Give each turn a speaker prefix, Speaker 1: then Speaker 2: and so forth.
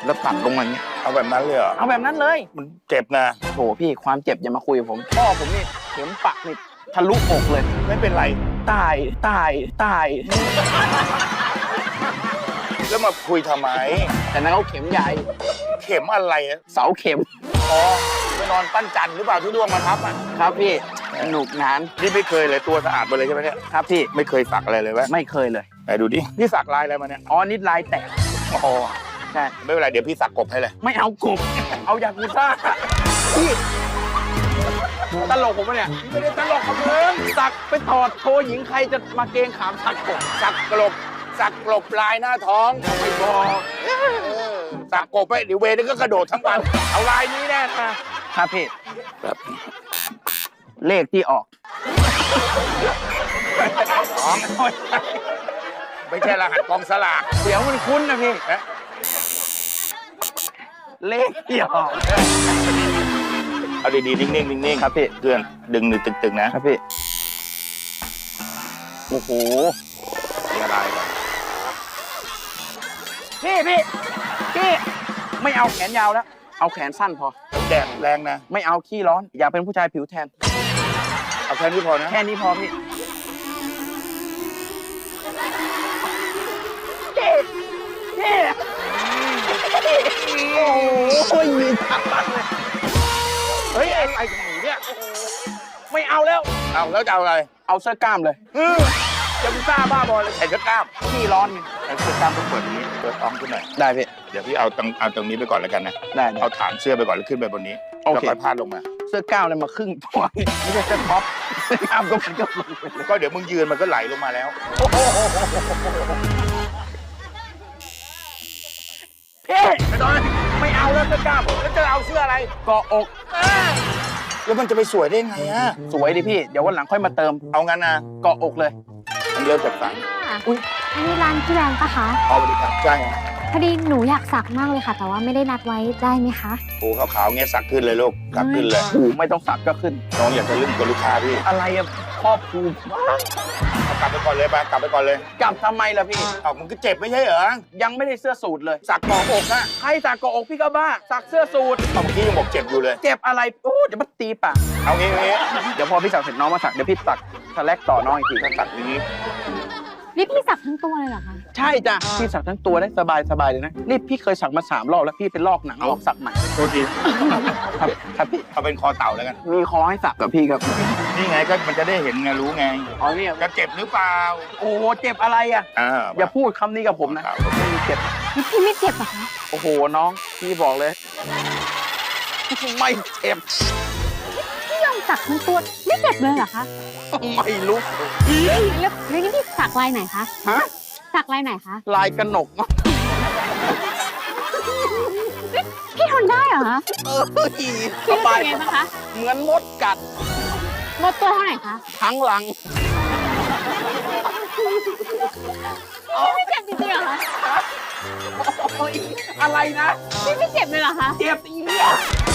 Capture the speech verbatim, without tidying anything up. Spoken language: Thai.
Speaker 1: แล้วตัดลงมาอย่างเงี้ย
Speaker 2: เอาแบบนั้นเลยเหรอ
Speaker 1: เอาแบบนั้นเลย
Speaker 2: มันเจ็บนะ
Speaker 1: โถพี่ความเจ็บอย่ามาคุยกับผมพ่อผมนี่เข็มปักนี่ทะลุอกเลย
Speaker 2: ไม่เป็นไร
Speaker 1: ตายตายตาย
Speaker 2: แล้วมาคุยทำไม
Speaker 1: แต่นั้นเขาเข็มใหญ่
Speaker 2: เข็มอะไรอะ
Speaker 1: เสาเข็ม
Speaker 2: อ๋อไปนอนปั้นจันทร์หรือเปล่าที่ดวงมาทับอ่ะ
Speaker 1: ครับพี่สนุกนาน
Speaker 2: นี่ไม่เคยเลยตัวสะอาดมาเลยใช่ไหมเนี่ย
Speaker 1: ครับพี่
Speaker 2: ไม่เคยสักอะไรเลยวะ
Speaker 1: ไม่เคยเลย
Speaker 2: ไหนดูดิพี่สักลายอะไรมาเนี่ย
Speaker 1: อ๋อนิดลายแตก
Speaker 2: อ๋อ
Speaker 1: ใช่
Speaker 2: ไม่เป็นไรเดี๋ยวพี่สักกบให้เลย
Speaker 1: ไม่เอากบเอายากุซ่าพี่ตลกผมปะเนี่ย
Speaker 2: ไม่ได้ตลกกับมึง
Speaker 1: สักไปถอดโชว์หญิงใครจะมาเกงขามสักกบ
Speaker 2: สักกลบสักกลบลายหน้าท้อง
Speaker 1: ไม่บอก
Speaker 2: เออสักกบไปเดี๋ยวเวนึงก็กระโดดทั้งวันเอาลายนี้แน่นะ
Speaker 1: ครับพี่
Speaker 2: แบบ
Speaker 1: เลขที่ออก
Speaker 2: ท้องไม่ใช่รหัสกองสลาก
Speaker 1: เดี๋ยวมันคุ้นนะพี่
Speaker 2: นะ
Speaker 1: เลขที่ออก
Speaker 2: เอาดีๆนิ่งๆนิ่งๆ
Speaker 1: ครับพี่
Speaker 2: เพื่อนดึงหนึ่งตึงๆนะครับ
Speaker 1: พี่โอ้โห
Speaker 2: มีอะไรก่อน
Speaker 1: พี่พี่พี่ไม่เอาแขนยาวแล้ว เอาแขนสั้นพอ
Speaker 2: แดดแรงนะ
Speaker 1: ไม่เอาขี้ร้อน อยากเป็นผู้ชายผิวแทน
Speaker 2: เอาแค่นี้พอนะ
Speaker 1: แค่นี้พอพี่พี่พี่โอ้ยมีทักบักเลย
Speaker 2: เฮ้ยอะไรของหนูเนี่ย
Speaker 1: ไม่เอาแล้ว
Speaker 2: เอาแล้วจะเอาอะไร
Speaker 1: เอาเสื้อกล้ามเลย
Speaker 2: อือจะมึงซ่าบ้าบอเลยใส่เสื้อกล้าม
Speaker 1: ขี้ร้อนไง
Speaker 2: ใส่เสื้อกล้ามต้องเปิดตรงนี้เปิดท้องขึ้นหน่อย
Speaker 1: ได้พี่
Speaker 2: เดี๋ยวพี่เอาตรงเอาตรงนี้ไปก่อนแล้วกันนะ
Speaker 1: ได้ได้
Speaker 2: เอาฐานเสื้อไปก่อนแล้วขึ้นไปบนนี้
Speaker 1: โอเค
Speaker 2: แล้วค่อยพาดลงมา
Speaker 1: เสื้อกล้ามเลยมาครึ่งตัวไม่ใช่เสื้อท็อปเสื้อกล้ามก็มันก็ลงไปเลย
Speaker 2: ก็เดี๋ยวมึงยืนมันก็ไหลลงมาแล้ว
Speaker 1: พี่ไม่ต้องไม่เอาแล้วเสื้อกล้าม
Speaker 2: แล้วจะเอาเสื้ออะไร
Speaker 1: เกาะอก
Speaker 2: แล้วมันจะไปสวยได้ไงอะ
Speaker 1: สวยดิพี่ เดี๋ยววันหลังค่อยมาเติม
Speaker 2: เอางั้นนะ
Speaker 1: เกาะอกเลย
Speaker 2: มันเริ่มจากฝัง
Speaker 1: อุ๊ย
Speaker 3: อันนี้ร้านพี่แรงปะคะ
Speaker 2: เอาไปดิครับใช่ฮะ
Speaker 3: พอดีหนูอยากสักมากเลยค่ะ แต่ว่าไม่ได้นัดไว้ได้ไหมคะ
Speaker 2: โอ้ขาวๆเงี้ยสักขึ้นเลยลูกสักขึ้นเลย
Speaker 1: โอ้โหไม่ต้องสักก็ขึ้น
Speaker 2: น้องอยากจะลึ่งกับลูกค้าพี่
Speaker 1: อะไรอะครอบครู
Speaker 2: เอากลับไปก่อนเลยไปกลับไปก่อนเลย
Speaker 1: กลับทำไมล่ะพี่
Speaker 2: เอามึงก็เจ็บไม่ใช่เหรอ
Speaker 1: ยังไม่ได้เสื้อสูทเลย
Speaker 2: สักกรอบอกนะ
Speaker 1: ใครสักเกาะอกพี่ก็บ้า สักเสื้อสูท
Speaker 2: เอาเมื่อกี้ยังบอกเจ็บอยู่เลย
Speaker 1: เจ็บอะไร โอ้เดี๋ยวมันตีปาก
Speaker 2: เอางี้เอางี้
Speaker 1: เดี๋ยวพอพี่สักเสร็จน้องมาสัก เดี๋ยวพี่สักสแลกต่อน้องอีกที
Speaker 2: ถ้าสักอย่างนี้
Speaker 3: นี่พี่สักทั้งตัวเลยเหรอคะ
Speaker 1: ใช่จ้ะ พี่สักทั้งตัวได้สบายสบายเลยนะ นี่พี่เคยสักมาสามรอบแล้วพี่เป็นลอกหนังลอกสักใหม่
Speaker 2: โทษที
Speaker 1: ครับครับพี่
Speaker 2: เอาเป็นคอเต่าแล้วกัน
Speaker 1: มีคอให้สักกับพี่ครับ
Speaker 2: นี่ไงก็มันจะได้เห็นไงรู้ไง
Speaker 1: อ๋อเนี่ย
Speaker 2: จะเจ็บหรือเปล่า
Speaker 1: โอ้โหเจ็บอะไรอ่ะ
Speaker 2: อ่า
Speaker 1: อย่าพูดคำนี้กับผมนะไม่มีเจ็บ
Speaker 3: นี่พี่ไม่เจ็บเหรอคะ
Speaker 1: โอ้โหน้องพี่บอกเลย ไม่เจ็บ
Speaker 3: พี่ยอมสักทั้งตัวไม่เจ็บเลยเหรอคะ
Speaker 1: ไม่รู้
Speaker 3: แล้วแล้วนี่พี่สักลายไหนคะ
Speaker 1: ฮะ
Speaker 3: สักลายไหนคะ
Speaker 1: ลายกระหนก
Speaker 3: พี่ทนได้เหรอคะ
Speaker 1: เออส
Speaker 3: พี่รู้
Speaker 1: บา
Speaker 3: สึ
Speaker 1: ย
Speaker 3: กไงบ้างคะ
Speaker 1: เหมือนมดกัด
Speaker 3: หมดตัวเท่าไหร่คะ
Speaker 1: ทั้งหลัง
Speaker 3: พี่ไม่เจ็บจริงๆเหรอคะ
Speaker 1: โอ้ยอะไรนะ
Speaker 3: พี่ไม่เจ็บเลยเหรอคะ
Speaker 1: เจ็บอีเนี่ย